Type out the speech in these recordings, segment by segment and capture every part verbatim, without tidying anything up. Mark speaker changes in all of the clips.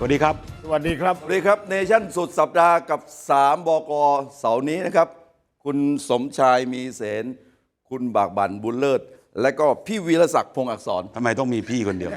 Speaker 1: วัสดีครับ
Speaker 2: สวัสดีครับ
Speaker 3: สวัสดีครับเนชั่นสุดสัปดาห์กับสามบกเสาร์นี้นะครับคุณสมชายมีเสนคุณบากบั่นบุญเลิศและก็พี่วีรศักดิ์พงษ์อักษร
Speaker 1: ทำไมต้องมีพี่คนเดียว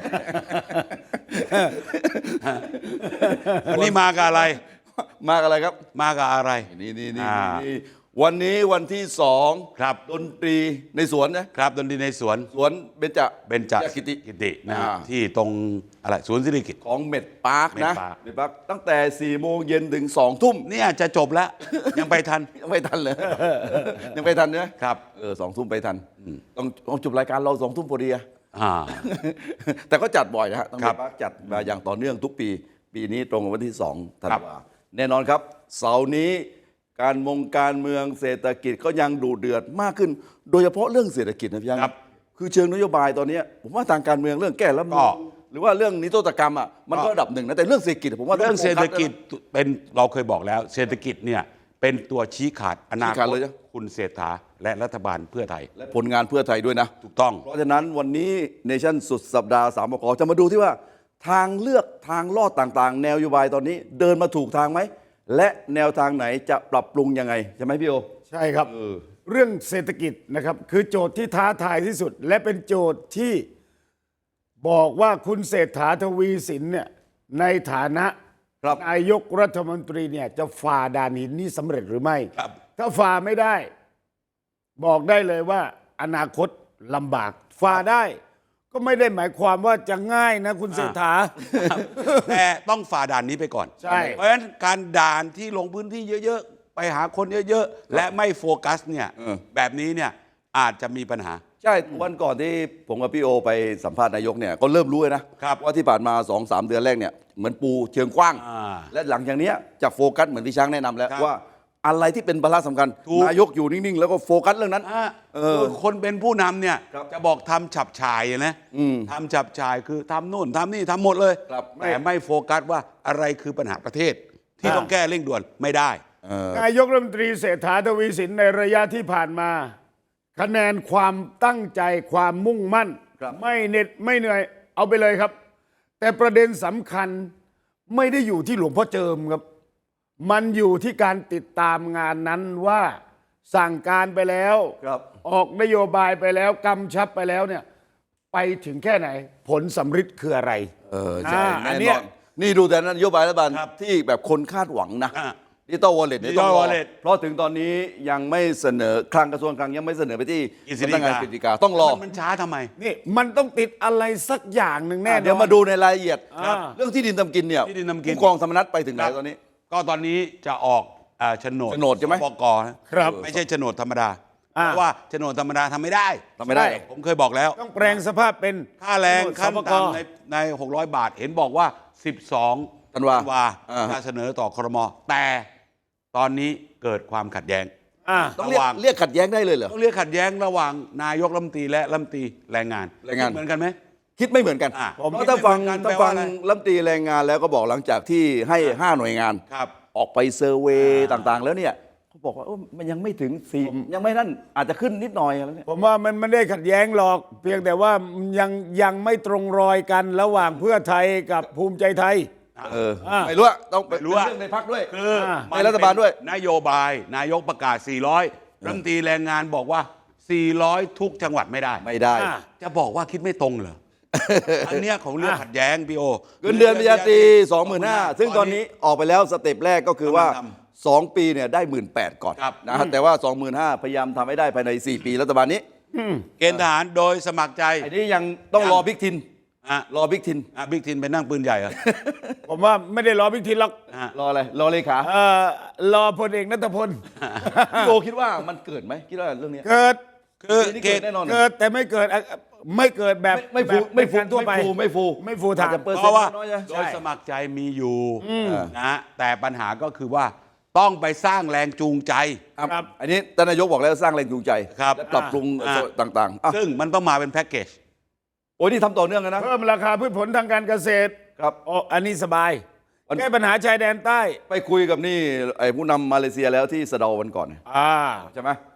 Speaker 1: วันนี้มากับอะไร
Speaker 3: มากับอะไรครับ
Speaker 1: มากับอะไร
Speaker 3: นี่นี่นี่วันนี้วันที่สอง
Speaker 1: ครับ
Speaker 3: ดนตรีในสวนนะครับ
Speaker 1: ดนตรีในสวน
Speaker 3: สวนเบญจ
Speaker 1: เบญจ
Speaker 3: กิติ
Speaker 1: กิตินะที่ตรงอะไรสวนสิริกิติ์
Speaker 3: ของเม็ดปาร์คนะ
Speaker 1: เม็ด
Speaker 3: ปาร์คตั้งแต่สี่โมงเย็นถึงสองทุ่ม
Speaker 1: เนี่ยจะจบแล้ว ยังไปทัน
Speaker 3: ยังไปทันเลยยังไปทันนะครับเออสองทุ่มไปทันต้องต้องจบรายการเราสองทุ่มพอดีอะแต่ก็จัดบ่อยนะฮะต้องไปพักจัดมาอย่างต่อเนื่องทุกปีปีนี้ตรงกับวันที่สองธันวาแน่นอนครับเสาร์นี้การมงการเมืองเศรษฐกิจก็ยังดูเดือดมากขึ้นโดยเฉพาะเรื่องเศรษฐกิจนะพี่ยังคือเชิงนโยบายตอนนี้ผมว่าทางการเมืองเรื่องแก้รัฐธรรมนูญหรือว่าเรื่องนิรโทษกรรมอ่ะมันก็ระดับหนึ่งนะแต่เรื่องเศรษฐกิจผมว่า
Speaker 1: เรื่องเศรษฐกิจเป็นเราเคยบอกแล้วเศรษฐกิจเนี่ยเป็นตัวชี้ขาดอนาคตคุณเศรษฐาและรัฐบาลเพื่อไทย
Speaker 3: และผลงานเพื่อไทยด้วยนะ
Speaker 1: ถูกต้อง
Speaker 3: เพราะฉะนั้นวันนี้เนชั่นสุดสัปดาห์สามบกจะมาดูที่ว่าทางเลือกทางลอดต่างๆแนวนโยบายตอนนี้เดินมาถูกทางไหมและแนวทางไหนจะปรับปรุงยังไงใช่ไหมพี่โอ
Speaker 2: ใช่ครับเออเรื่องเศรษฐกิจนะครับคือโจทย์ที่ท้าทายที่สุดและเป็นโจทย์ที่บอกว่าคุณเศรษฐาทวีสินเนี่ยในฐานะนายกรัฐมนตรีเนี่ยจะฝ่าด่านหินนี้สำเร็จหรือไม่ถ้าฝ่าไม่ได้บอกได้เลยว่าอนาคตลำบากฝ่าได้ก็ไม่ได้หมายความว่าจะง่ายนะคุณเศรษฐา
Speaker 1: แต่ต้องฝ่าด่านนี้ไปก่อน
Speaker 2: ใช่
Speaker 1: เพราะฉะนั้นการด่านที่ลงพื้นที่เยอะๆไปหาคนเยอะๆและไม่โฟกัสเนี่ยแบบนี้เนี่ยอาจจะมีปัญหา
Speaker 3: ใช่วันก่อนที่ผมกับพี่โอไปสัมภาษณ์นายกเนี่ยก็เริ่มรู้เลยนะว่าที่ผ่านมา สองสาม เดือนแรกเนี่ยเหมือนปูเชิงกว้างและหลังจากนี้จะโฟกัสเหมือนที่ช้างแนะนำแล้วว่าอะไรที่เป็นภาระสำคัญนายกอยู่นิ่งๆแล้วก็โฟกัสเรื่องนั้น
Speaker 1: คนเป็นผู้นำเนี่ยจะบอกทำฉับฉายนะทำฉับฉายคือทำนู่นทำนี่ทำหมดเลยแต่ไม่โฟกัสว่าอะไรคือปัญหาประเทศที่ต้องแก้เร่งด่วนไม่ได้
Speaker 2: นายกรัฐมนตรีเศรษฐาทวีสินในระยะที่ผ่านมาคะแนนความตั้งใจความมุ่งมั่นไม่เหน็ดไม่เหนื่อยเอาไปเลยครับแต่ประเด็นสำคัญไม่ได้อยู่ที่หลวงพ่อเจิมครับมันอยู่ที่การติดตามงานนั้นว่าสั่งการไปแล้วออกนโยบายไปแล้วกำชับไปแล้วเนี่ยไปถึงแค่ไหนผลสำฤทธิ์คืออะไร
Speaker 3: เออใช่อันนี้นี่ดูแต่นโยบายรัฐบาลที่แบบคนคาดหวังนะดิจิตอลวอลเล็ตเนี่ยต้องรอเพราะถึงตอนนี้ยังไม่เสนอคลังกระทรวงคลังยังไม่เสนอไปที่สำนักงานกฤษฎีกาต้องรอ
Speaker 1: มันช้าทำไม
Speaker 2: นี่มันต้องติดอะไรสักอย่างหนึ่งแน่
Speaker 3: เดี๋ยวมาดูในรายละเอียดเรื่องที่ดินทำกินเนี่ยผู้กองธรรมนัสไปถึงไหนตอนนี้
Speaker 1: ก็ตอนนี้จะออกโฉนด
Speaker 3: โฉนดใช่ไหม
Speaker 1: บกครับไม่ใช่โฉนดธรรมดาเพราะว่าโฉนดธรรมดาทำไม่ได้
Speaker 3: ทำไม่ได้
Speaker 1: ผมเคยบอกแล้ว
Speaker 2: ต้องแปลงสภาพเป็น
Speaker 1: ค่าแรงขั้นต่ำในในหกร้อยบาทเห็นบอกว่าสิบสอง
Speaker 3: ธันวา
Speaker 1: จะเสนอต่อครม.แต่ตอนนี้เกิดความขัดแย้ง
Speaker 3: ต้องเรียกเรียกขัดแย้งได้เลยเหรอ
Speaker 1: ต้องเรียกขัดแย้งระหว่างนายกรัฐมนตรีและรัฐมนตรีแรงงาน
Speaker 3: แรงงาน
Speaker 1: เหมือนกันไหม
Speaker 3: คิดไม่เหมือนกันเพราะถ้าฟังถ้าฟังรัฐมนตรีแรงงานแล้วก็บอกหลังจากที่ให้ห้าหน่วยงานออกไปเซอร์เวย์ต่างๆแล้วเนี่ยเขาบอกว่ามันยังไม่ถึงสี่ยังไม่นั่นอาจจะขึ้นนิดหน่อยแล้วเนี่ย
Speaker 2: ผมว่ามันไม่ได้ขัดแย้งหรอกเพียงแต่ว่ายังยังไม่ตรงรอยกันระหว่างเพื่อไทยกับภูมิใจไทย
Speaker 3: เออไม่รู้ต้องไปรู้เรื่องในพรรคด้วย
Speaker 1: คือ
Speaker 3: ในรัฐบาลด้วย
Speaker 1: นโยบายนายกประกาศสี่ร้อยรัฐมนตรีแรงงานบอกว่าสี่ร้อยทุกจังหวัดไม่ได้
Speaker 3: ไม่ได้
Speaker 1: จะบอกว่าคิดไม่ตรงเหรออันเนี้ยของเรื่องขัดแย้งพี่โอ
Speaker 3: เงินเดือนปริญญาตรี สองหมื่นห้าพัน ซึ่งตอนนี้ออกไปแล้วสเต็ปแรกก็คือว่าสองปีเนี่ยได้ หนึ่งหมื่นแปดพัน ก่อนนะแต่ว่า สองหมื่นห้าพัน พยายามทำให้ได้ภายในสี่ปีรัฐบาลนี้
Speaker 1: เกณฑ์ทหารโดยสมัครใจ
Speaker 3: อันนี้ยังต้องรอบิ๊กทินรอบิ๊กทิน
Speaker 1: บิ๊กทินไปนั่งปืนใหญ่เหรอ
Speaker 2: ผมว่าไม่ได้รอบิ๊กทินหรอก
Speaker 3: รออะไรรอเลขา
Speaker 2: เออรอพลเอกณัฐพล
Speaker 3: พี่โอคิดว่ามันเกิดไหมคิดว่าเรื่องนี้
Speaker 2: เกิด
Speaker 1: คือ
Speaker 3: เกิดแน่นอน
Speaker 2: เกิดแต่ไม่เกิดไม่เกิดแบบ
Speaker 3: ไม่ฟูไม่ฟู
Speaker 2: ทั่วไป
Speaker 3: ไม่ฟูไม่ฟู
Speaker 2: ไม่ฟูทาง
Speaker 1: เพราะว่าโดยสมัครใจมีอยู่นะแต่ปัญหาก็คือว่าต้องไปสร้างแรงจูงใจ
Speaker 3: ครับอันนี้ท่านนายกบอกแล้วสร้างแรงจูงใจ
Speaker 1: และ
Speaker 3: ปรับปรุงต่าง
Speaker 1: ๆซึ่งมันต้องมาเป็นแพ็กเกจ
Speaker 3: โอ้ยนี่ทำต่อเนื่องกันนะ
Speaker 2: เพิ่มราคาพืชผลทางการเกษตร
Speaker 3: ครับ
Speaker 2: โอ้อันนี้สบายแก้ปัญหาชายแดนใต้
Speaker 3: ไปคุยกับนี่ไอ้ผู้นำมาเลเซียแล้วที่สะเดาวันก่อน
Speaker 2: อ่า
Speaker 3: ใช่ไหม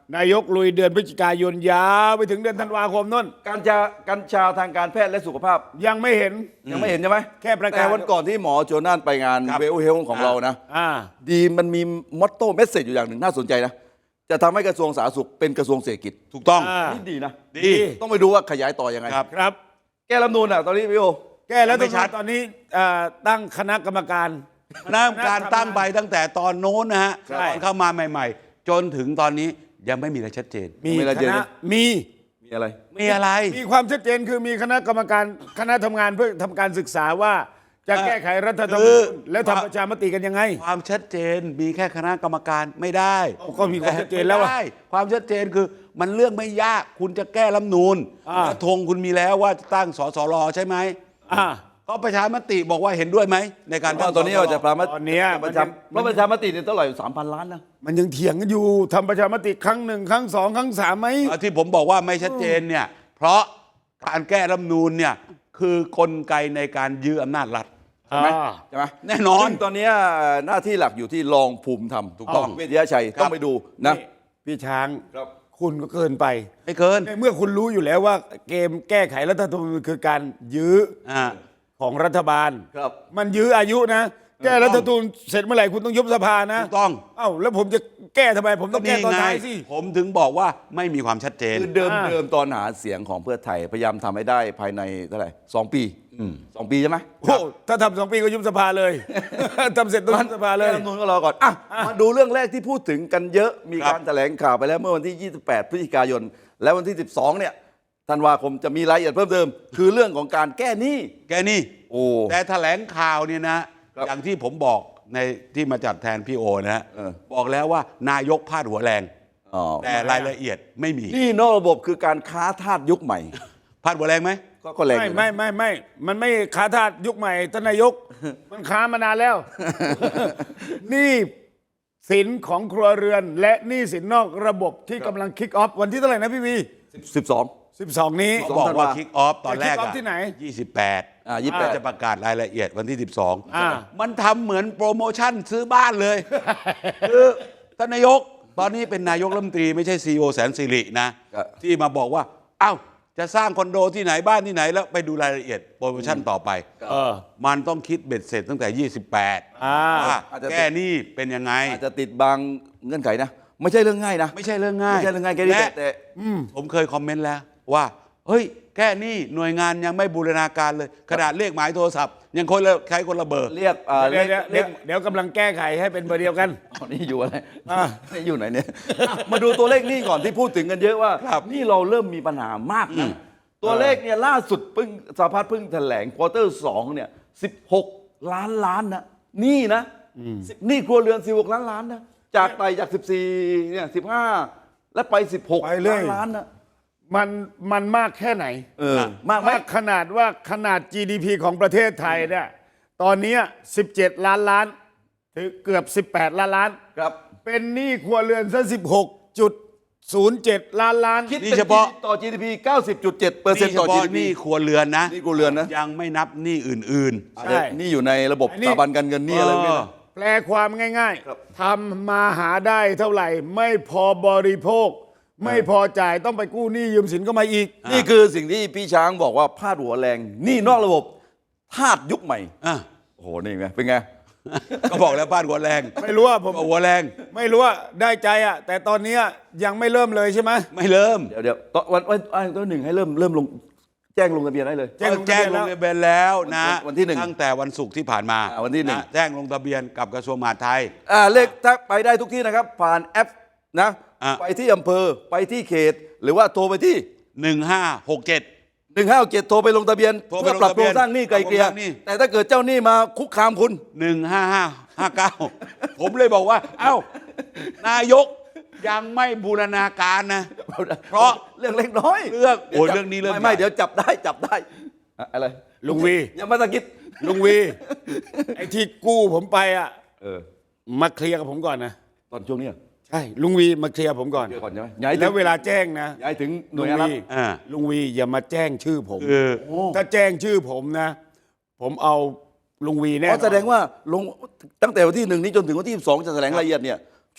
Speaker 2: นายกลุยเดือนพฤศจิกายนยาวไปถึงเดือนธันวาคมนั่น
Speaker 3: กัญชากัญชาทางการแพทย์และสุขภาพ
Speaker 2: ยังไม่เห็น
Speaker 3: ยังไม่เห็นใช่ไหม
Speaker 2: แค่ประกาศ
Speaker 3: แต่วันก่อนที่หมอโจนานไปงาน
Speaker 1: ครับ
Speaker 3: เวลเฮลของเรานะ
Speaker 2: อ่า
Speaker 3: ดีมันมีมอตโต้เมสเซจอยู่อย่างหนึ่งน่าสนใจนะ จะทำให้กระทรวงสาธารณสุขเป็นกระทรวงเศรษฐกิจ
Speaker 1: ถูกต้อง
Speaker 2: อ่า
Speaker 3: นี่ดีนะ
Speaker 1: ดี
Speaker 3: ต้องไปดูว่าขยายต่อยังไง
Speaker 1: ครับ
Speaker 2: ครับ
Speaker 3: แก้รัฐธรรมนูลอ่ะตอนนี้พี่โอ
Speaker 2: แก้แล้ว
Speaker 1: ไม่ชัด
Speaker 2: ตอนนี้อ่าตั้งคณะกรรมการ
Speaker 1: คณะกรรมการตั้งไปตั้งแต่ตอนโน้นนะฮะ
Speaker 2: ใช่
Speaker 1: ตอนเข้ามาใหม่ ๆ จนถึงตอนนี้ยังไม่มีอะไรชัดเจน
Speaker 2: มี
Speaker 3: ไม่ละ
Speaker 2: ค
Speaker 3: เอียด
Speaker 2: ณะ
Speaker 3: นะ
Speaker 2: มี
Speaker 3: มีอะไร
Speaker 1: มีอะไร
Speaker 2: มีความชัดเจนคือมีคณะกรรมการคณะทำงานเพื่อทำการศึกษาว่าจะ
Speaker 1: เอ่อ
Speaker 2: แก้ไขรัฐธรรม
Speaker 1: คื
Speaker 2: นู
Speaker 1: อ
Speaker 2: ญและทำประชามติกันยังไง
Speaker 1: ความชัดเจนมีแค่คณะกรรมการไม่ได้
Speaker 2: ก็มีความชัดเจนแล้วอะ
Speaker 1: ไม่ได้ความชัดเจนคือมันเรื่องไม่ยากคุณจะแก้รัฐธรรมนูญ
Speaker 2: อ่า
Speaker 1: และธงคุณมีแล้วว่าจะตั้งสสรใช่ไหม
Speaker 2: อ่า
Speaker 1: ก็ประชามติบอกว่าเห็นด้วยไหมในการ
Speaker 3: ตอนนี้เราจะประมาณ
Speaker 2: ตอนเนี้ย
Speaker 3: ประชาเพราะประชามติเนี่ยเท่าไหร่สามพันล้านนะ
Speaker 2: มันยังเถียงกันอยู่ทำประชามติครั้งหนึ่งครั้งสองครั้งสามไหม
Speaker 1: เอาที่ผมบอกว่าไม่ชัดเจนเนี่ยเพราะการแก้รัฐธรรมนูญเนี่ยคือกลไกในการยื้ออำนาจรัฐ
Speaker 3: ใช่ไหม
Speaker 2: อ่า
Speaker 3: ใช่ไหม
Speaker 1: แน่นอน
Speaker 3: ซึ่งตอนนี้หน้าที่หลักอยู่ที่รองภูมิธรรม
Speaker 1: ถูกต้อง
Speaker 3: เวชยชัยต้องไปดูนะ
Speaker 2: พี่ช้าง
Speaker 3: ครับ
Speaker 2: คุณก็เกินไป
Speaker 1: ไม่เกิน
Speaker 2: ในเมื่อคุณรู้อยู่แล้วว่าเกมแก้ไขรัฐธรรมนูญคือการยื้อ
Speaker 1: อ่า
Speaker 2: ของรัฐบาล
Speaker 3: ครับ
Speaker 2: มันยื้ออายุนะ แก้รัฐธรรมนูญเสร็จเมื่อไหร่คุณต้องยุบสภานะ
Speaker 1: ถูกต้อง
Speaker 2: เอ้าแล้วผมจะแก้ทำไม ผมต้องแก้ตอนท้ายสิ
Speaker 1: ผมถึงบอกว่าไม่มีความชัดเจน
Speaker 3: คือเดิม
Speaker 2: อ่า
Speaker 3: เดิมตอนหาเสียงของเพื่อไทยพยายามทำให้ได้ภายในเท่าไหร่สองปีสองปีใช่ไหม
Speaker 2: โอ้ถ้าทำสองปีก็ยุบสภาเลย ทำเสร็จต้องยุบสภาเลย
Speaker 3: แก้รัฐธรรมนูญก็รอก่อนอ่ะมาดูเรื่องแรกที่พูดถึงกันเยอะมี
Speaker 1: ครับ
Speaker 3: การแถลงข่าวไปแล้วเมื่อวันที่ ยี่สิบแปด พฤศจิกายน และวันที่ สิบสอง เนี่ยธันวาคมจะมีรายละเอียดเพิ่มเติม คือเรื่องของการแก้หนี้
Speaker 1: แกนี่
Speaker 3: โอ้
Speaker 1: แต่แถลงข่าวเนี่ยนะ
Speaker 3: ครับ
Speaker 1: อย่างที่ผมบอกในที่มาจัดแทนพี่โอนะฮะ
Speaker 3: เออ
Speaker 1: บอกแล้วว่านายกพาดหัวแรง
Speaker 3: อ๋อ
Speaker 1: แต่รายละเอียดไม่มี
Speaker 3: หนี่นอกระบบคือการค้าทาสยุคใหม่
Speaker 1: พาดหัวแรงไหม
Speaker 3: ก็ก็แรงอ
Speaker 2: ไม่
Speaker 3: ยู่นะ
Speaker 2: ไม่ไม่ไม่ มันไม่ค้าทาสยุคใหม่ท่านนายก มันค้ามานานแล้ว หนี่สินของครัวเรือน และหนี้สินนอกระบบที่กำลังคิกออฟวันที่เท่าไหร่นะพี่วี
Speaker 3: สิบสอง
Speaker 2: สิบสองนี้
Speaker 1: เขาบอกว่า
Speaker 3: ธันวา
Speaker 1: คิกออฟตอนแรก
Speaker 2: จะ kick
Speaker 1: อะ
Speaker 2: off ที่ไหน
Speaker 1: ยี่สิบแปด
Speaker 3: อ่ายี่สิบแปด
Speaker 1: จะประกาศรายละเอียดวันที่สิบสอง
Speaker 2: อ่า
Speaker 1: มันทำเหมือนโปรโมชั่นซื้อบ้านเลย คือท่านนายกตอนนี้เป็นนายกรัฐมนตรีไม่ใช่ซีอีโอแสนสิรินะ
Speaker 3: ครับ
Speaker 1: ที่มาบอกว่า เอ้า จะสร้างคอนโดที่ไหนบ้านที่ไหนแล้วไปดูรายละเอียดโปรโมชั่นต่อไป
Speaker 2: เออ
Speaker 1: มันต้องคิดเบ็ดเสร็จตั้งแต่ ยี่สิบแปด
Speaker 2: อ่า
Speaker 1: ว่า
Speaker 3: อาจจะ
Speaker 1: แก้หนี้เป็นยังไง
Speaker 3: อาจจะติดบางเงื่อนไขนะ ไม่ใช่เรื่องง่ายนะ
Speaker 1: ไม่ใช่เรื่องง่าย
Speaker 3: ไม่ใช่เรื่องง่ายแค่นี้
Speaker 1: และ
Speaker 3: แต่
Speaker 1: ผมเคยคอมเมนต์แล้วว่า เฮ้ย แก้หนี้หน่วยงานยังไม่บูรณาการเลย ขนาดเลขหมายโทรศัพท์ ยังคนละใช้คนละเบอร์
Speaker 3: เรียกอ่า
Speaker 2: เดี๋ยว
Speaker 3: เรียก
Speaker 2: เดี๋ยว
Speaker 3: เรี
Speaker 2: เดี๋
Speaker 3: ย
Speaker 2: ย
Speaker 3: ก
Speaker 2: วเดี๋ยวกำลังแก้ไขให้เป็นเบอร์เดียวกัน
Speaker 3: อ๋อนี่อยู่อะไร
Speaker 2: อ่า
Speaker 3: นี่อยู่ไหนเนี่ยอ่ะมาดูตัวเลขหนี่ก่อนที่พูดถึงกันเยอะว่า
Speaker 1: ครับ
Speaker 3: นี่เราเริ่มมีปัญหามากนะตัวเลขเนี่ยล่าสุดเพิ่งสหพัฒน์เพิ่งแถลงควอเตอร์สองเนี่ยสิบหกล้านล้านนะนี่นะสิบนี่ครัวเรือนสิบหกล้านล้านนะจากไต่จากสิบสี่เนี่ยสิบห้าและไปสิบหก
Speaker 2: ไปเรื่
Speaker 3: ล้า
Speaker 2: อย
Speaker 3: นล้านนะ
Speaker 2: มันมันมากแค่ไหน
Speaker 3: เออมากไหม
Speaker 2: มากขนาดว่าขนาด จี ดี พี ของประเทศไทยเนี่ยตอนเนี้สิบเจ็ดล้านล้านถึงเกือบสิบแปดล้านล้าน
Speaker 3: ครับ
Speaker 2: เป็นหนี้ครัวเรือนซะสิบหกจุดศูนย์เจ็ดล้านล้าน
Speaker 3: คิด
Speaker 1: นี่
Speaker 3: เป็น
Speaker 1: เฉพาะ
Speaker 3: ต่อ จี ดี พี เก้าสิบจุดเจ็ดเปอร์เซ็นต์
Speaker 1: นี่เฉ
Speaker 3: ต่อ
Speaker 1: พาะ
Speaker 3: จี ดี
Speaker 1: ห
Speaker 3: พี
Speaker 1: นี้ครัวเรือนนะ
Speaker 3: นี่ครัวเรือนนะ
Speaker 1: ยังไม่นับหนี้อื่น
Speaker 3: อาจจะนี่อยู่ในระบบ
Speaker 2: อันนี้
Speaker 3: สถาบันการเงินนี่อะไรพวกนี้นะ
Speaker 2: แปลความง่าย
Speaker 3: ครับ
Speaker 2: ๆทำมาหาได้เท่าไหร่ ไม่พอบริโภค ไม่พอจ่ายต้องไปกู้หนี้ยืมสินก็มาอีก
Speaker 3: นี่คือสิ่งที่พี่ช้างบอกว่าพาดหัวแรงหนี่นอกระบบทาสยุคใหม่
Speaker 1: ๆอ่ะ
Speaker 3: โอ้โห นี่ไง เป็นไง
Speaker 1: ก็บอกแล้วพาดหัวแรง
Speaker 2: ไม่รู้ว่าผม
Speaker 1: ก็หัวแรง
Speaker 2: ไม่รู้ว่าได้ใจอ่ะแต่ตอนเนี้ยยังไม่เริ่มเลยใช่ไหม
Speaker 1: ไม่เริ่ม
Speaker 3: เดี๋ยวเดี๋ยวตอนวันวันวันตัวหนึ่งให้เริ่มเริ่มลงแจ้งลงทะเบียนได้เลย
Speaker 2: แจ้งลงทะ
Speaker 1: แจ้ง
Speaker 2: เบียน
Speaker 1: ล
Speaker 2: แล้ว
Speaker 1: งทะเบียนแล้วนะ
Speaker 3: วันที่หนึ่ง
Speaker 1: ตั้งแต่วันศุกร์ที่ผ่านมา
Speaker 3: อ่าวันที่หนึ่ง
Speaker 1: ะแจ้งลงทะเบียนกับกระทรวงมหาดไทย
Speaker 3: อ่าเลขถ้าไปได้ทุกที่นะครับ ผ่านแอปนะ
Speaker 1: อ่ะ
Speaker 3: ไปที่อำเภอไปที่เขต หรือว่าโทรไปที่
Speaker 1: หนึ่งห้าหกเจ็ด
Speaker 3: หนึ่งห้าเจ็ดโทรไปลงทะเบียน
Speaker 1: โทรไป
Speaker 3: เพื่อปรับ
Speaker 1: ลงทะ
Speaker 3: โค
Speaker 1: เบี
Speaker 3: ร
Speaker 1: ยน
Speaker 3: งสร้างหนี้ไกลเกลี่ย
Speaker 1: ปรับโครงสร้างหนี้
Speaker 3: แต่ถ้าเกิดเจ้าหนี้มาคุกคามคุณ
Speaker 1: หนึ่งห้าห้าห้าเก้าผมเลยบอกว่า เอ้า นายกยังไม่บูรณาการนะ เพราะ
Speaker 3: เรื่องเล็กน้อย
Speaker 1: เรื่องโอ้ย
Speaker 3: ดี๋ยวจับ
Speaker 1: เรื่องนี้เรื่อง
Speaker 3: ไม่ไม่
Speaker 1: ใหญ่
Speaker 3: เดี๋ยวจับได้จับได้อะอะไร
Speaker 2: ลุงวี
Speaker 3: อย่ามาตะกิด
Speaker 2: ลุงวีไอ้ที่กู้ผมไปอ่ะ
Speaker 3: เออ
Speaker 2: มาเคลียร์กับผมก่อนนะ
Speaker 3: ตอนช่วงนี้เหรอ
Speaker 2: ใช่ลุงวีมาเคลียร์ผมก่อน
Speaker 3: เดี๋ยวก่อนใช่ไหมย้ายถึ
Speaker 2: แล้
Speaker 3: ง
Speaker 2: วเวลาแจ้งนะ
Speaker 3: ย้ายถึงหน่
Speaker 2: ลุ
Speaker 3: วย
Speaker 2: ง
Speaker 3: งานรัฐ
Speaker 2: วี
Speaker 1: อ่า
Speaker 2: ลุงวีอย่ามาแจ้งชื่อผม
Speaker 1: คือ
Speaker 2: ถ้าแจ้งชื่อผมนะ ผมเอาลุงวีแน่
Speaker 3: เพราะแสดงว่าลงตั้งแต่วันที่หนึ่งนี้จนถึงวันที่สิบสองจะแถลงรายละเอียดเนี่ย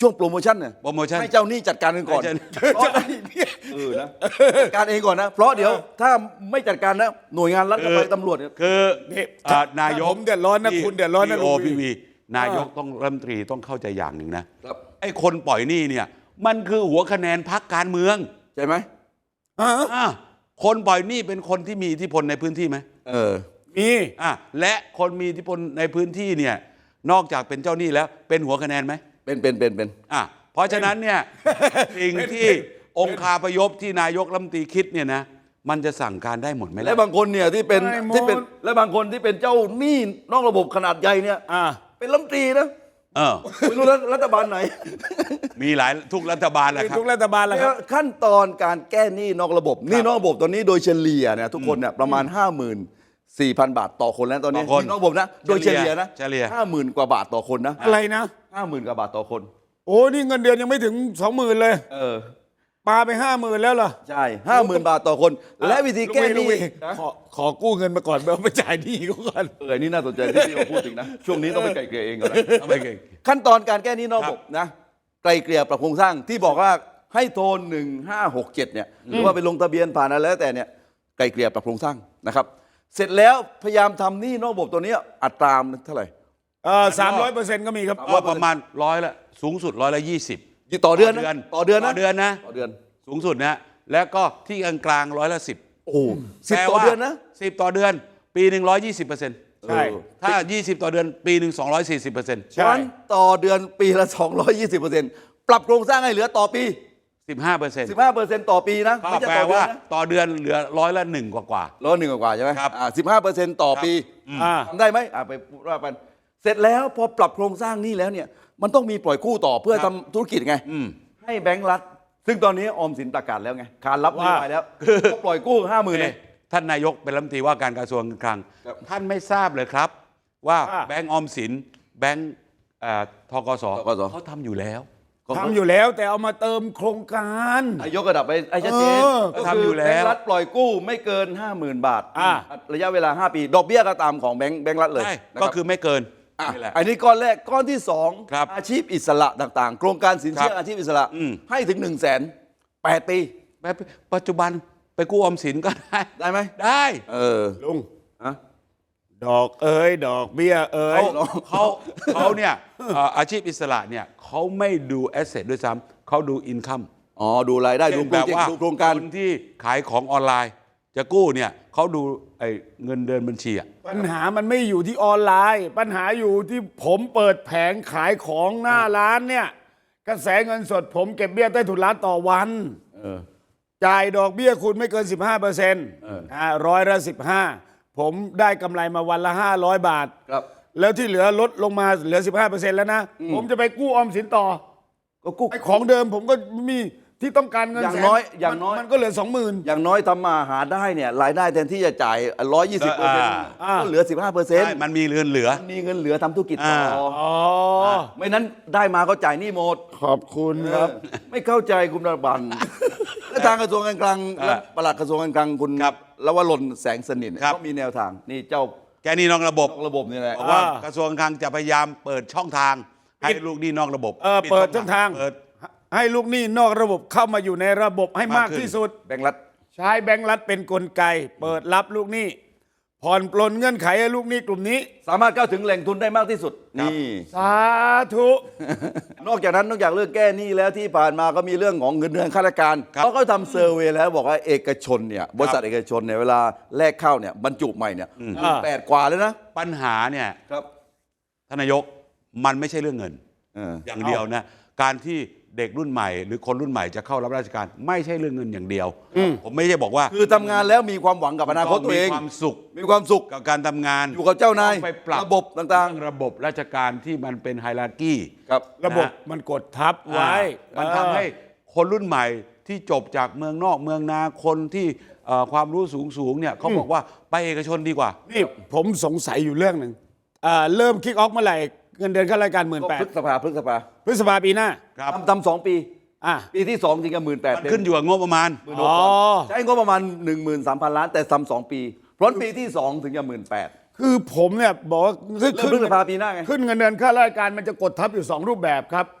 Speaker 3: ช่วงโปรโมชั่นเนี่ย
Speaker 1: โปรโมชั่น
Speaker 3: ให้เจ้าหนี้จัดการกันก่อน
Speaker 1: ให้เจ้า
Speaker 3: เพราะเออนะจัดการเองก่อนนะ เพราะเดี๋ยวถ้าไม่จัดการนะหน่วยงานรัฐก็ไปตำรวจเนี่ย
Speaker 1: คือ
Speaker 2: นี่
Speaker 1: อ่านายก
Speaker 2: ผมเดือดร้อนนะคุณเดือดร้อนนะ
Speaker 1: โอ
Speaker 2: ลุงวี
Speaker 1: พีวีนายกต้องรัฐมนตรีต้องเข้าใจอย่างหนึ่งนะครับ ไอ้คนปล่อยหนี้เนี่ยมันคือหัวคะแนนพรรคการเมือง
Speaker 3: ใช่ไหม
Speaker 2: อ่า
Speaker 1: อ่ะคนปล่อยหนี้เป็นคนที่มีอิทธิพลในพื้นที่ไหม
Speaker 3: เออ
Speaker 2: มี
Speaker 1: อ่ะและคนมีอิทธิพลในพื้นที่เนี่ยนอกจากเป็นเจ้าหนี้แล้วเป็นหัวคะแนนไหม
Speaker 3: เป็นเป็นเป็นเป็น
Speaker 1: อ่ะเพราะฉะนั้นเนี่ยสิ่งที่องค์คาพยพที่นายกรัฐมนตรีคิดเนี่ยนะมันจะสั่งการได้หมดไหมล่ะ
Speaker 3: และบางคนเนี่ยที่เป็น
Speaker 2: ไม่หมด
Speaker 3: ที่เป็นและบางคนที่เป็นเจ้าหนี้นอกระบบขนาดใหญ่เนี่ย
Speaker 2: อ่า
Speaker 3: เป็นรัฐมนตรีนะ
Speaker 1: เออ
Speaker 3: ไม่รู้รัฐบาลไหน
Speaker 1: มีหลายทุกรัฐบาลแหละครับ
Speaker 2: ทุกรัฐบาลแหละครับ
Speaker 3: ขั้นตอนการแก้หนี้นอกระบบหนี้นอกระบบตอนนี้โดยเฉลี่ยเนี่ยทุกคนเนี่ยประมาณ ห้าหมื่นสี่พัน บาทต่อคนแล้วตอนนี้
Speaker 1: ต่อคน
Speaker 3: หนี้นอกระบบนะโดยเฉลี่ยนะ
Speaker 1: เฉลี่ย
Speaker 3: ห้าหมื่นกว่าบาทต่อคนนะ
Speaker 2: อะไรนะ
Speaker 3: ห้าหมื่นกว่าบาทต่อคน
Speaker 2: โอ้นี่เงินเดือนยังไม่ถึงสองหมื่นเลย
Speaker 3: เออ
Speaker 2: ปาไปห้าหมื่นแล้วเหรอ
Speaker 3: ใช่ห้าหมื่นบาทต่อคน และวิธีแก้ห
Speaker 2: ลุ
Speaker 3: นี้
Speaker 2: งวี
Speaker 3: นะ
Speaker 2: ขอขอกู้เงินมาก่อนเอาไปจ่ายหนี้เขาก่อน
Speaker 3: เออนี่น่าสนใจที่พี่มาพูดถึงนะช่วงนี้ต้องไปไกลเกลี่ยเองก่อนนะ
Speaker 1: เอาไปเก่ง
Speaker 3: ขั้นตอนการแก้หนี้นอกระบบนะไกลเกลี่ยปรับโครงสร้างที่บอกว่าให้โทรหนึ่งห้าหกเจ็ดเนี่ยหรือว่าไปลงทะเบียนผ่านอะไรแล้วแต่เนี่ยไกลเกลี่ยปรับโครงสร้างนะครับ เสร็จแล้วพยายามทำหนี้นอกระบบตัวเนี้ยอัตราเท่าไหร่
Speaker 2: เออสามร้อยเปอร์เซ็นต์ก็มีครับ
Speaker 1: ว่าประมาณร้อยละสูงสุดร้อยละยี่สิบ
Speaker 3: ต่อเดือนนะต่อเดือน
Speaker 1: ต่
Speaker 3: นะ
Speaker 1: อเดือนนะ
Speaker 3: ต่อเดือน
Speaker 1: สูงสุดนะแล้วก็ที่กลางกลางร้อยละสิบ
Speaker 3: โอ้สิบต่อเดือนนะ
Speaker 1: สิบต่อเดือน ปีหนึ่งร้อยยี่สิบเปอร์เซ็นต์
Speaker 2: ใช่
Speaker 1: ถ้ายี่สิบต่อเดือนปีหนึ่งสองร้อยสี่สิบเปอร์เซ็นต์
Speaker 3: เพราะฉะนั้นต่อเดือนปีละสองร้อยยี่สิบเปอร์เซ็นต์ปรับโครงสร้างให้เหลือต่อปี
Speaker 1: สิบห้าเปอร์เซ็นต์
Speaker 3: สิบห้าเปอร์เซ็นต์ต่อปีนะ
Speaker 1: ก็
Speaker 3: ไม่ใช่
Speaker 1: แปล
Speaker 3: ต่อเดือ
Speaker 1: ว่าน
Speaker 3: นะ
Speaker 1: ต่อเดือนเหลือร้อยละหนึ่งกว่ากว่า
Speaker 3: ร้อยหนึ่งกว่าใช่ไหม
Speaker 1: ครับ
Speaker 3: อ่าสิบห้าเปอร์เซ็นต์ต่อปี
Speaker 2: อ่า
Speaker 3: ทำได้ไหมอ่าไปพูดว่ากันเสร็จแล้วพอปรับโครงสร้างหนี้แล้วเนี่ยมันต้องมีปล่อยกู้ต่อเพื่อ
Speaker 1: ครั
Speaker 3: ทำ
Speaker 1: บ
Speaker 3: ธุรกิจไง
Speaker 1: อืม
Speaker 3: ให้แบงก์รัฐ ซึ่งตอนนี้ออมสินประกาศแล้วไงขานรับนโย
Speaker 2: ว่า
Speaker 3: บายแล้วก็ปล่อยกู้ห้าหมื่นเลย
Speaker 1: เอ๊ะท่านนายกเป็นรัฐมนตรีว่าการกระทรวงการคลัง
Speaker 3: ครับ
Speaker 1: ท่านไม่ทราบเลยครับ ว่า
Speaker 2: ว่า
Speaker 1: แบงก์ออมสินแบงก์เอ่อทกส
Speaker 3: ธกส
Speaker 1: เขาทำอยู่แล้ว
Speaker 2: ทำอยู่แล้วแต่เอามาเติมโครงการ
Speaker 3: นายกระดับไปไอ้ชัดเจน
Speaker 2: เออ
Speaker 3: ก็
Speaker 1: ทำอยู่แล้ว
Speaker 3: แบงก์รัฐปล่อยกู้ไม่เกิน ห้าหมื่น บาท
Speaker 2: อ่า
Speaker 3: ระยะเวลา ห้า ปี ดอกเบี้ยก็ตามของแบงก์แบงก์รัฐเลย
Speaker 1: ใช่
Speaker 3: นะ
Speaker 1: ก็
Speaker 3: รับ
Speaker 1: คือไม่เกิน
Speaker 3: อ่ะ
Speaker 1: นี่แหละ
Speaker 3: อันนี้ก้อนแรกก้อนที่สอง
Speaker 1: ครับ
Speaker 3: อาชีพอิสระต่างๆ โครงการสินเชื่อ
Speaker 1: ครับ
Speaker 3: อาชีพอิสระ
Speaker 1: อืม
Speaker 3: ให้ถึง1นึ่งแสนแปดปี
Speaker 1: แบบปัจจุบันไปกู้ออมสินก็ได้
Speaker 3: ได้ไหม
Speaker 1: ได้
Speaker 3: เออ
Speaker 2: ลุง
Speaker 3: ฮะ
Speaker 2: ดอกเอ้ยดอกเบี้ยเอ้ย
Speaker 1: เขาเขาเขาเนี่ยเอ่ออาชีพอิสระเนี่ยเขาไม่ดูแอสเซทด้วยซ้ำเขาดูอินคัม
Speaker 3: อ๋อดูรายได้ดูโปร
Speaker 1: แบบ
Speaker 3: เจก
Speaker 1: ว่า
Speaker 3: ต์ดูโครงการ
Speaker 1: คนที่ขายของออนไลน์ จะกู้เนี่ยเขาดูไอ้เงินเดินบัญชีอะ
Speaker 2: ปัญหามันไม่อยู่ที่ออนไลน์ ปัญหาอยู่ที่ผมเปิดแผงขายของหน้าร้านเนี่ยกระแสเงินสดผมเก็บเบี้ยใต้ถุนร้านต่อวัน
Speaker 3: เออ
Speaker 2: จ่ายดอกเบี้ยคุณไม่เกิน สิบห้าเปอร์เซ็นต์
Speaker 3: เออ
Speaker 2: อ่าร้อยละสิบห้าผมได้กำไรมาวันละห้าร้อยบาท
Speaker 3: ครับ
Speaker 2: แล้วที่เหลือลดลงมาเหลือ สิบห้าเปอร์เซ็นต์แล้วนะ ผมจะไปกู้ออมสินต่อ
Speaker 3: ก็กู้
Speaker 2: ไอ้ของเดิมผมก็มีที่ต้องการเงิน
Speaker 3: อย่าง
Speaker 2: แส
Speaker 3: น้อยอย่างน้อย
Speaker 2: มันก็เหลือสองหมื่น
Speaker 3: อย่างน้อยทำมาหาได้เนี่ยรายได้แทนที่จะจ่ายร้อยยี่สิบเปอร์เซ็นต์
Speaker 2: อ่า
Speaker 3: ก็เหลือสิบห้าเปอร์เซ็นต์
Speaker 1: ใช่มันมีเงินเหลือ
Speaker 3: มีเงินเหลือทำธุรกิจต่อ
Speaker 2: อ๋อ
Speaker 3: ไม่นั้นได้มาก็จ่ายหนี้หมด
Speaker 2: ขอบคุณครับ
Speaker 3: เออไม่เข้าใจคุณระบัน และทางกระทรวงการคลัง
Speaker 1: อ่า
Speaker 3: และปลัดกระทรวงการคลังคุณ
Speaker 1: ครับ
Speaker 3: ลวรนแสงสนิทเนี่ย
Speaker 1: ครับ
Speaker 3: ก็มีแนวทางนี่เจ้า
Speaker 1: แกหนี่นอกระบบ
Speaker 3: นอกระบบนี่แหละ
Speaker 1: บอกว่า
Speaker 2: อ่าก
Speaker 1: ระทรวงการคลังจะพยายามเปิดช่องทาง ให้ลูกหนี้นอกระบบ
Speaker 2: เออเปิดช่องทาง
Speaker 1: เปิด
Speaker 2: ให้ลูกหนี้นอกระบบเข้ามาอยู่ในระบบให้มาก
Speaker 1: มากขึ้น
Speaker 2: ที่สุด
Speaker 3: แบงก์รัฐ
Speaker 2: ใช้แบงก์รัฐเป็นกลไก เปิดรับลูกหนี้ผ่อนปลนเงื่อนไขให้ลูกหนี้กลุ่มนี้
Speaker 3: สามารถเข้าถึงแหล่งทุนได้มากที่สุด
Speaker 1: ครับ
Speaker 3: นี่
Speaker 2: สาธุ
Speaker 3: นอกจากนั้นนอกจากเรื่องแก้หนี้แล้วที่ผ่านมาก็มีเรื่องของเงินเดือนข้าราชการ
Speaker 1: ครับ
Speaker 3: เขาก็ทำเซอร์เวย์แล้วบอกว่าเอกชนเนี่ยบริษัทเอกชนเนี่ยเวลาแลกเข้าเนี่ยบรรจุใหม่เนี่ยแปดกว่าเลยนะ
Speaker 1: ปัญหาเนี่ย
Speaker 3: ครับ
Speaker 1: ท่านนายกมันไม่ใช่เรื่องเงิน
Speaker 3: เออ
Speaker 1: อย่างเดียวนะการที่เด็กรุ่นใหม่ หรือคนรุ่นใหม่จะเข้ารับราชการ ไม่ใช่เรื่องเงินอย่างเดียว ผมไม่ใช่บอกว่า
Speaker 3: คือทำงานแล้วมีความหวังกับอนาคตตัวเอง
Speaker 1: มีความสุข
Speaker 3: มีความสุข
Speaker 1: กับการทำงาน
Speaker 3: อยู่กับเจ้านาย
Speaker 1: ต้องไปปรับ
Speaker 3: ระบบต่าง
Speaker 1: เรื่องระบบราชการที่มันเป็นไฮรักี
Speaker 3: ๆ ครับ
Speaker 2: ระบบมันกดทับไว้
Speaker 1: มันทำให้คนรุ่นใหม่ที่จบจากเมืองนอกเมืองนาคนที่เอ่อความรู้สูงสูงๆเนี่ยเขาบอกว่าไปเอกชนดีกว่า
Speaker 2: นี่ผมสงสัยอยู่เรื่องหนึ่งอ่าเริ่มคิกออฟเมื่อไหร่เงินเดือนข้าราชการหมื่น
Speaker 3: ก็
Speaker 2: แปด
Speaker 3: พฤษภาพฤษภา
Speaker 2: พฤษภาปีหน้า
Speaker 1: ครับ
Speaker 3: ทำทำสองปี
Speaker 2: อ่ะ
Speaker 3: ปีที่สองจริงกับหมื่นแปด
Speaker 1: มันขึ้นอยู่กับงบประมาณ
Speaker 2: อ๋อ
Speaker 3: ใช้งบประมาณหนึ่งหมื่นสามพันล้านแต่ทำสองปีเพราะปีที่สองถึงจะหมื่นแปด
Speaker 2: คือผมเนี่ยบอกว่าขึ้น
Speaker 3: เริ่มพฤษภาปีหน้าไง
Speaker 2: ขึ้นเงินเดือนข้าราชการมันจะกดทับอยู่สองรูปแบบครับ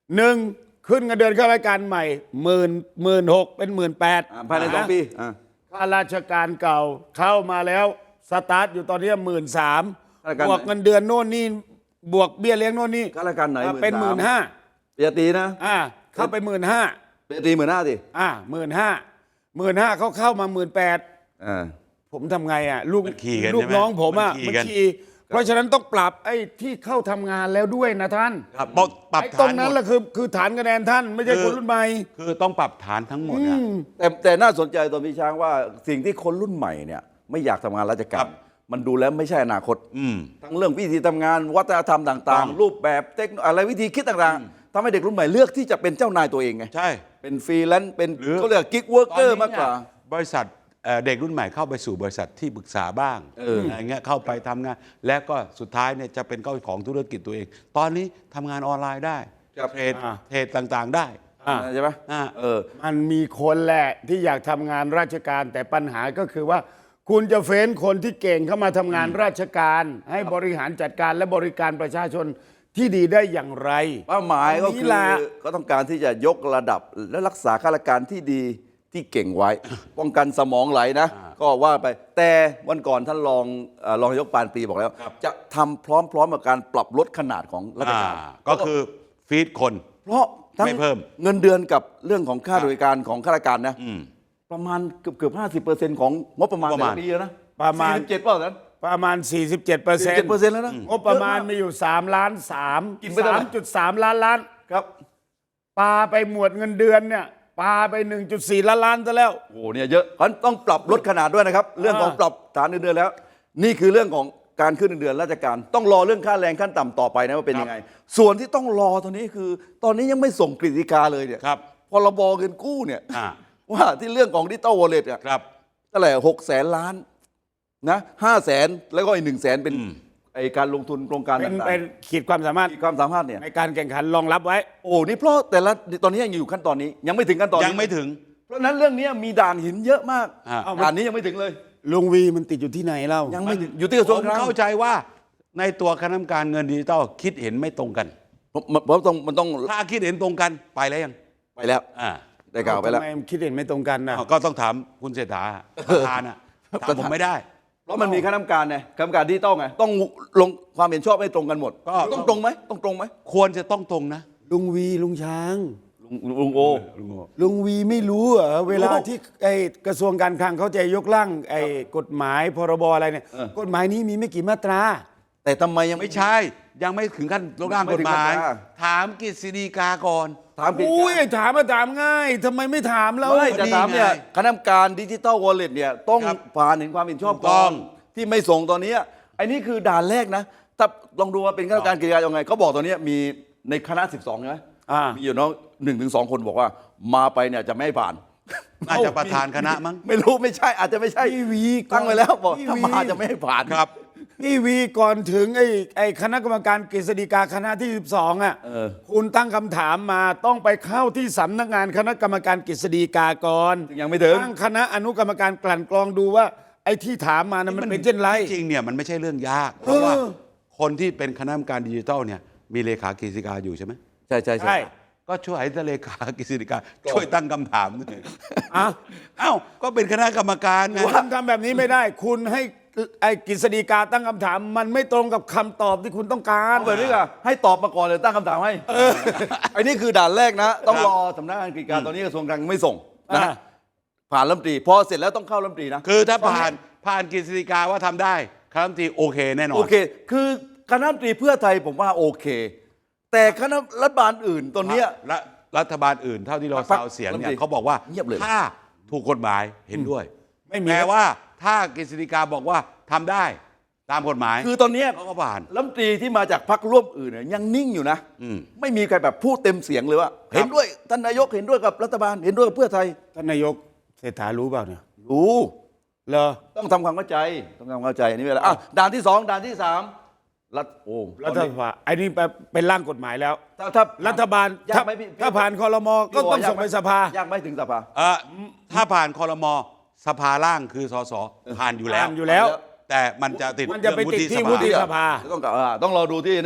Speaker 2: หนึ่งขึ้นเงินเดือนข้าราชการใหม่หมื่นหมื่นหกเป็นหมื่นแปด
Speaker 3: อ่าภายในสองปีอ่า
Speaker 2: ข้าราชการเก่าเข้ามาแล้วสตาร์ทอยู่ตอนนี้หมื่นสาม
Speaker 3: ข้าราชการ
Speaker 2: บวกเงินเดือนโน่นนี่บวกเบี้ยเลี้ยงโน่นนี่
Speaker 3: ข้าราชการไหน
Speaker 2: อ่ะเป็นหมื่นห้า
Speaker 3: ปริญญาตรีนะ
Speaker 2: อ่าเข้าไปหมื่นห้า
Speaker 3: ปริญญาตรีหมื่นห้าสิ
Speaker 2: อ่าหมื่นห้าหมื่นห้าเขาเข้ามาหมื่นแปด
Speaker 3: อ่า
Speaker 2: ผมทำไงอ่ะลูก
Speaker 1: มันขี่กัน
Speaker 2: ลูก
Speaker 1: ใช่ไหม
Speaker 2: น้องผมอ่ะ
Speaker 1: มันขี่
Speaker 2: มัน
Speaker 1: กัน
Speaker 2: ขี่เพราะฉะนั้นต้องปรับไอ้ที่เข้าทำงานแล้วด้วยนะท่าน
Speaker 1: ครับบอกปรับ
Speaker 2: ไอ้
Speaker 1: ฐาน
Speaker 2: ตรงนั้น
Speaker 1: หม
Speaker 2: แห
Speaker 1: ด
Speaker 2: ละคือคือฐานคะแนนท่านไม่ใช่
Speaker 1: คือ
Speaker 2: คนรุ่นใหม่
Speaker 1: คือต้องปรับฐานทั้งหมดอะ
Speaker 3: แต่แต่น่าสนใจตอนพี่ช้างว่าสิ่งที่คนรุ่นใหม่เนี่ยไม่อยากทำงานราชการมันดูแล้วไม่ใช่อนาคต
Speaker 1: อืม
Speaker 3: ทั้งเรื่องวิธีทำงานวัฒนธรรมต่าง
Speaker 1: ต้อง
Speaker 3: ๆ รูปแบบเทคโนอะไรวิธีคิดต่างๆทำให้เด็กรุ่นใหม่เลือกที่จะเป็นเจ้านายตัวเองไง
Speaker 1: ใช่
Speaker 3: เป็นฟรีแลนซ์เป็น
Speaker 1: หรือ
Speaker 3: เขาเรียกกิ๊กเวิร์กเกอร์มากกว่า
Speaker 1: บริษัทเอ่อเด็กรุ่นใหม่เข้าไปสู่บริษัทที่ปรึกษาบ้าง
Speaker 3: เอออ
Speaker 1: อะไรเงี้ยเข้าไปทำงาน และก็สุดท้ายเนี่ยจะเป็นเจ้าของธุรกิจตัวเอง ตอนนี้ทำงานออนไลน์ได้
Speaker 3: ครับ
Speaker 1: เทรด
Speaker 2: อ่า
Speaker 1: เทรดต่างๆได้
Speaker 2: อ่า
Speaker 3: ใช่ไหม
Speaker 1: อ่า
Speaker 3: เออ
Speaker 2: มันมีคนแหละที่อยากทำงานราชการแต่ปัญหาก็คือว่า คุณจะเฟ้นคนที่เก่งเข้ามาทำงานราชการ ให้บริหารจัดการและบริการประชาชนที่ดีได้อย่างไร
Speaker 3: เป้าหมายก็
Speaker 2: น
Speaker 3: คื
Speaker 2: นี้
Speaker 3: อ
Speaker 2: ล่ะ
Speaker 3: ก็ต้องการที่จะยกระดับและรักษาข้าราชการที่ดีที่เก่งไว้ ป้องกันสมองไหลนะ ก็ว่าไป แต่วันก่อนท่านรองเอ่อรองนายกปานปรีบอกแล้ว จะทำพร้อมๆกับการปรับลดขนาดของราชการ
Speaker 1: อ่าก็คือฟีดคน
Speaker 3: เพราะทั้ง
Speaker 1: ไม่เพิ่ม
Speaker 3: เงินเดือนกับเรื่องของค่าบริการของข้าราชการนะ
Speaker 1: อืม
Speaker 3: ประมาณเกือบเกือบห้าสิบเปอร์เซ็นต์ของงบประมาณ
Speaker 1: งบประมาณ
Speaker 3: แต่ละปีแล้วนะ
Speaker 2: ประมาณ
Speaker 3: สี่สิบเจ็ดเปล่านั้น
Speaker 2: ประมาณ 47เปอร์เซ็นต์
Speaker 3: เปอร์เซ็นต์แล้วนะ
Speaker 2: งบประมาณมีอยู่3ล้าน3
Speaker 3: กินไปเท่าไหร่
Speaker 2: 3.3 ล้านล้าน
Speaker 3: ครับ
Speaker 2: ปาไปหมวดเงินเดือนเนี่ยปาไป 1.4 ล้านล้านซะแล้ว
Speaker 3: โอ้โหเนี่ยเยอะเพราะฉะนั้นต้องปรับลดขนาดด้วยนะครับ เรื่องของปรับฐานเงินเดือนแล้ว นี่คือเรื่องของการขึ้นเงินเดือนราชการ ต้องรอเรื่องค่าแรงขั้นต่ำต่อไปนะว่าเป็นยังไง ส่วนที่ต้องรอตอนนี้คือ ตอนนี้ยังไม่ส่งกฤษฎีกาเลยเนี่ย
Speaker 1: ครับ
Speaker 3: พรบเงินกู้เนี่ย
Speaker 1: อ่า
Speaker 3: ว่าที่เรื่องของดิจิตอลวอลเล็ตอ่ะ
Speaker 1: ครับ
Speaker 3: เท่าไหร่หกแสนล้านนะห้าแสนแล้วก็อีกหนึ่งแสนเป็น
Speaker 1: อืม
Speaker 3: ไอการลงทุนโครงการ
Speaker 2: เป็น
Speaker 3: ต่าง
Speaker 2: เป็นขีดความสามารถ
Speaker 3: ๆมีความสามารถเนี่ย
Speaker 2: ในการแข่งขันรองรับไว้
Speaker 3: โอ้นี่เพราะแต่ละตอนนี้ยังอยู่ขั้นตอนนี้ ยังไม่ถึงขั้นตอนนี้
Speaker 1: ยังไม่ถึง
Speaker 3: เพราะฉะนั้นเรื่องนี้มีด่านหินเยอะมาก
Speaker 1: อ่า
Speaker 3: ด่านนี้ยังไม่ถึงเลย
Speaker 2: ลุงวีมันติดอยู่ที่ไหนเล่า
Speaker 3: ยังไม่ถึงอยู่ที่กระทรวง
Speaker 1: ผม
Speaker 3: คลัง
Speaker 1: เข้าใจว่าในตัวคณะกรรมการเงินดิจิตอลคิดเห็นไม่ตรงกัน
Speaker 3: ผมผมต้องมันต้อง
Speaker 1: ถ้าคิดเห็นตรงกันไปแล้วยัง
Speaker 3: ไปแล้ว
Speaker 1: อ่า
Speaker 3: ได้กล่าวไปแล้ว
Speaker 2: ทำไมคิดเห็นไม่ตรงกันนะ
Speaker 1: อ้าวก็ต้องถามคุณเศรษฐาประธานอ่ะถามผมไม่ได้
Speaker 3: เพราะมันมีคณะกรรมการไงคณะกรรมการที่ต้องไงต้องลงความเห็นชอบไม่ตรงกันหมด
Speaker 1: ก็
Speaker 3: ต้องตรงไหมต้องตรงไหม
Speaker 1: ควรจะต้องตรงนะ
Speaker 2: ลุงวีลุงช้าง
Speaker 3: ลุงลุงโอ
Speaker 2: ลุงวีไม่รู้เหรอเวลาที่ไอ้กระทรวงการคลังเขาจะยกร่างไอ้กฎหมายพรบอะไรเนี่ยกฎหมายนี้มีไม่กี่มาตรา
Speaker 3: แต่ทำไมยัง
Speaker 1: ไม่ใช่ ยังไม่ถึงขั้นร่างกฎหมาย
Speaker 3: ไม่ถึงขั้น
Speaker 1: ถามกฤษฎีกาก่อน
Speaker 3: ถามผิด
Speaker 2: อุ้ยถามมาถามง่ายทำไมไม่ถามแล้ว
Speaker 3: ไม่จะถามเนี่ย
Speaker 1: นี่ไง
Speaker 3: คณะกรรมการดิจิตอลวอลเล็ตเนี่ยต้อง
Speaker 1: ครับ
Speaker 3: ผ่านเห็นความเห็นชอบ
Speaker 1: ถูกต้
Speaker 3: ก่อ
Speaker 1: อน ง
Speaker 3: ที่ไม่ส่งตอนนี้ไอ้นี่คือด่านแรกนะถ้าลองดูว่าเป็นคณะกรรมการกิจการยังไงเขาบอกตอนนี้มีในคณะสิบสองใช่ไหม
Speaker 2: อ่า
Speaker 3: มีอยู่น้องหนึ่งถึงสองคนบอกว่ามาไปเนี่ยจะไม่ให้ผ่าน
Speaker 1: น่าจะประธานคณะมั้ง
Speaker 3: ไม่รู้ไม่ใช่อาจจะไม่ใช่
Speaker 2: พี่วี
Speaker 3: ตั้งไว้แล้วบอก
Speaker 2: พี่
Speaker 3: ถ้า
Speaker 2: วี
Speaker 3: มาจะไม่ให้ผ่าน
Speaker 1: ครับ
Speaker 2: พี่วีก่อนถึงไอ้ไอ้คณะกรรมการกฤษฎีกาคณะที่สิบสองอ่ะ
Speaker 3: เออ
Speaker 2: คุณตั้งคำถามมาต้องไปเข้าที่สำนักงานคณะกรรมการกฤษฎีกาก่อน
Speaker 3: ยังไม่ถึง
Speaker 2: ตั้งคณะอนุกรรมการกลั่นกรองดูว่า ไอ้ที่ถามมานะมันเป็นเช่นไร
Speaker 1: จริงเนี่ยมันไม่ใช่เรื่องยาก เพราะว่าคนที่เป็นคณะกรรมการดิจิทัลเนี่ยมีเลขากฤษฎีกาอยู่ใช่ไหม
Speaker 3: ใช่ใช่
Speaker 2: ใช่
Speaker 1: ก็ช่วยให้เลขากฤษฎีกาช่วยตั้งคำถามด้วย
Speaker 2: อ่ะ
Speaker 1: เอ้าก็เป็นคณะกรรมการไง
Speaker 2: คุณทำแบบนี้ไม่ได้ คุณให้ไอ้กฤษฎีกาตั้งคำถาม มันไม่ตรงกับคำตอบที่คุณต้องการ
Speaker 3: เอาแบบนี้ก่ะให้ตอบมาก่อนเลยตั้งคำถามให้ไอ้นี่คือด่านแรกนะ ต้องรอสำนักงานกิจการตอนนี้กระทรวงการคลังไม่ส่งนะ
Speaker 2: อ่า
Speaker 3: ผ่านรัฐมนตรีพอเสร็จแล้วต้องเข้ารัฐมนตรีนะ
Speaker 1: คือถ้าผ่านผ่านกฤษฎีกาว่าทำได้คณะรัฐมนตรีโอเคแน่นอน
Speaker 3: โอเค คือคณะรัฐมนตรีเพื่อไทยผมว่าโอเค แต่คณะรัฐบาลอื่นตอนเนี้ย
Speaker 1: และรัฐบาลอื่นเท่าที่เรา
Speaker 3: พรรค
Speaker 1: ซาวเสียงเนี่
Speaker 3: รัฐมนตรี
Speaker 1: ยเขาบอกว่า
Speaker 3: เงียบเลย
Speaker 1: ถ้าถูกกฎหมายเห็นด้วย
Speaker 2: ไม่มี
Speaker 1: แปลว่าถ้ากฤษฎีกาบอกว่าทำได้ตามกฎหมาย
Speaker 3: คือตอนเนี้ย
Speaker 1: เขาก็ผ่าน
Speaker 3: รัฐมนตรีที่มาจากพรรคร่วมอื่นเนี่ยยังนิ่งอยู่นะ
Speaker 1: อืม
Speaker 3: ไม่มีใครแบบพูดเต็มเสียงเลยว่า เห็นด้วยท่านนายกเห็นด้วยกับรัฐบาลเห็นด้วยกับเพื่อไทย
Speaker 2: ท่านนายกเศรษฐารู้เปล่าเนี่ย
Speaker 3: รู้
Speaker 2: เหรอ
Speaker 3: ต้องทำความเข้าใจต้องทำความเข้าใจอันนี้เวลาอ่ะด่านที่สองด่านที่สามรัฐโอ้
Speaker 2: รัฐบาลไอ้นี่เป็นร่างกฎหมายแล้ว
Speaker 3: ถ้าถ้า
Speaker 2: รัฐบาล
Speaker 3: ยา
Speaker 2: ถ้าก
Speaker 3: ไหมพี่
Speaker 2: ถ้าผ่านคอรมอก็ต้อง
Speaker 3: ยา
Speaker 2: ส่ง
Speaker 3: หม
Speaker 2: ไปสภาย
Speaker 3: ากไหมถึงสภา
Speaker 1: เออถ้าผ่านคอรมอสภาล่างคือสสผ่านอยู่แล้ว
Speaker 2: ผ่านอยู่แล้ว
Speaker 1: แต่มันจะติด
Speaker 2: มันจะไปติดที่
Speaker 1: เรื่อง
Speaker 2: วุฒิ
Speaker 1: ส
Speaker 2: สภา
Speaker 3: ต้องกล่าวอ่าต้องรอดูที่นี่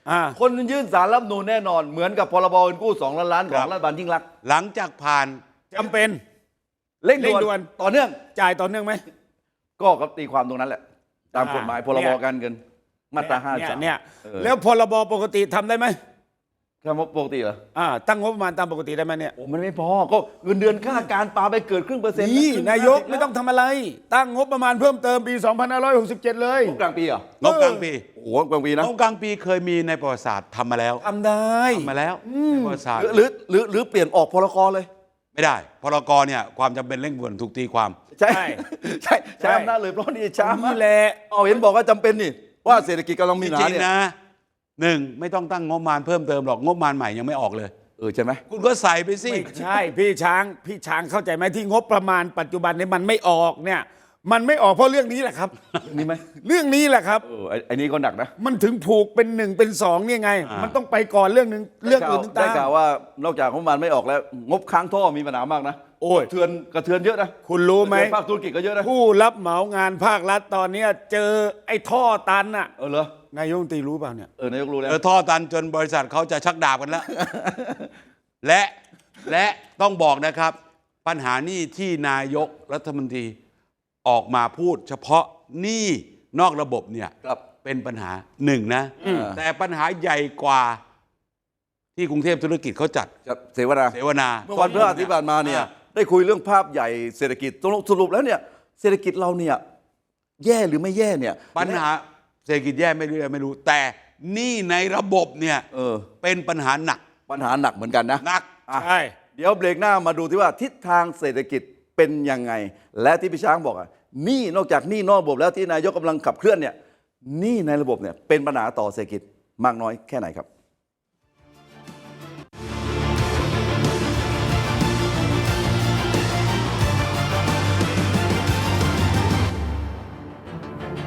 Speaker 2: อ่า
Speaker 3: คนยื่นสารรัฐธรรมนูญแน่นอนเหมือนกับพรบเงินกู้สองล้านล้านข
Speaker 1: ครั
Speaker 3: อง
Speaker 1: บ
Speaker 3: รัฐบาลยิ่งรักษณ์
Speaker 1: หลังจากผ่าน
Speaker 2: จำเป็น
Speaker 3: เร่ง
Speaker 2: เร่งด่
Speaker 3: ด่
Speaker 2: ว
Speaker 3: วน นต่อเนื่อง
Speaker 2: จ่ายต่อเนื่องไหม
Speaker 3: ก็ก็ตีความตรงนั้นแหละ ตาม
Speaker 2: อ่าก
Speaker 3: ฎหมายพร
Speaker 2: เนี่
Speaker 3: บ
Speaker 2: ย
Speaker 3: การเงินมาตราห้า
Speaker 2: เนี่ย
Speaker 3: สาม
Speaker 2: เนี่ย
Speaker 3: เออ
Speaker 2: แล้วพรบปกติทำได้ไหม
Speaker 3: คำว่าปกติเหรอ
Speaker 2: อ่าตั้งงบประมาณตามปกติได้ไหมเนี่ย
Speaker 3: โอ้มันไม่พอก็เงินเดือนข้าราชการปาไปเกิดครึ่งเปอร์เซ็นต์
Speaker 2: นี่
Speaker 3: ครึ่
Speaker 2: นายก
Speaker 3: ห้สิบ
Speaker 2: ไม่ต้องทำอะไร ตั้งงบประมาณเพิ่มเติมปี สองพันห้าร้อยหกสิบเจ็ด เลย
Speaker 3: งบกลางปีเหรอง
Speaker 1: บกลางปี
Speaker 3: โอ้โหกลางปีนะ
Speaker 1: งบกลางปีเคยมีในประวัติศาสตร์ทำมาแล้ว
Speaker 2: ทำได้
Speaker 1: ทำมาแล้วในประวัติศาสตร์
Speaker 3: หรือหรือหรือหรือเปลี่ยนออกพรกเลย
Speaker 1: ไม่ได้พรกเนี่ยความจำเป็นเร่งด่วนถูกตีความ
Speaker 3: ใช่
Speaker 2: ใช่
Speaker 3: ใช่ใช้
Speaker 2: ใช่
Speaker 3: อำนาจเลยเพราะนี่ช้า
Speaker 2: นี่แหละ
Speaker 3: เอาเห็นบอกว่าจำเป็นนี่ว่าเศรษฐกิจกำลังมี
Speaker 1: จ
Speaker 3: ปัญหา
Speaker 1: ริง
Speaker 3: เนี่ย
Speaker 1: ๆนะหนึ่งไม่ต้องตั้งงบประมาณเพิ่มเติมหรอกงบประมาณใหม่ยังไม่ออกเลย
Speaker 3: เออใช่ไหม
Speaker 1: คุณก็ใส่ไปสิ
Speaker 2: ไม่ใช่พี่ช้างพี่ช้างเข้าใจไหมที่งบประมาณปัจจุบันนี้มันไม่ออกเนี่ยมันไม่ออกเพราะเรื่องนี้แหละครับ
Speaker 3: นี่ไหม
Speaker 2: เรื่องนี้แหละครับ
Speaker 3: เออไอ้ไอ้นี่ก็หนักนะ
Speaker 2: มันถึงผูกเป็นหนึ่งเป็นสองเนี่ยไง
Speaker 1: อ่ามั
Speaker 2: มันต้องไปก่อนเรื่องหนึ่งเรื่องอื่น
Speaker 3: ได้
Speaker 2: ตาม
Speaker 3: ข่าวว่านอกจากงบประมาณไม่ออกแล้ว งบค้างท่อมีปัญหามากนะ
Speaker 2: โอ้ย
Speaker 3: กระเทือนกระเทือนเยอะนะ
Speaker 2: คุณรู้ไหม
Speaker 3: กะเทือนภาคธุรกิจก็เยอะนะ
Speaker 2: ผู้รับเหมางานภาครัฐตอนเนี้ยเจอไอ้ท่อตันน่ะ
Speaker 3: เออเหรอน
Speaker 2: ายกรัฐมนตรีรู้เปล่าเนี่ย
Speaker 3: เออนายกรู้แล้ว
Speaker 1: เออท่อตันจนบริษัทเขาจะชักดาบกันแล้ว และและต้องบอกนะครับ ปัญหาหนี้ที่นายกรัฐมนตรีออกมาพูด เฉพาะหนี้นอกระบบเนี่ย
Speaker 3: ครับ
Speaker 1: เป็นปัญหาหนึ่งนะ แต่ปัญหาใหญ่กว่าที่กรุงเทพธุรกิจเขาจัด
Speaker 3: ครับเสวนา
Speaker 1: เสวนา
Speaker 3: เมื่อวันพฤหัสที่ผ่านมาเนี่ย
Speaker 1: อ่
Speaker 3: ได้คุยเรื่องภาพใหญ่เศรษฐกิจสรุปแล้วเนี่ยเศรษฐกิจเราเนี่ยแย่หรือไม่แย่เนี่ย
Speaker 1: ปัญหาเศรษฐกิจแย่ไม่รู้ไม่รู้ แต่หนี้ในระบบเนี่ย
Speaker 3: เออ
Speaker 1: เป็นปัญหาหนัก
Speaker 3: ปัญหาหนักเหมือนกันนะ
Speaker 1: หนัก
Speaker 3: อ่ะ
Speaker 2: ใช่
Speaker 3: เดี๋ยวเบรกหน้ามาดูที่ว่าทิศทางเศรษฐกิจเป็นยังไง และที่พี่ช้างบอกอ่ะหนี้นอกจากหนี้นอกระบบแล้วที่นายกกำลังขับเคลื่อนเนี่ยหนี้ในระบบเนี่ยเป็นปัญหาต่อเศรษฐกิจมากน้อยแค่ไหนครับ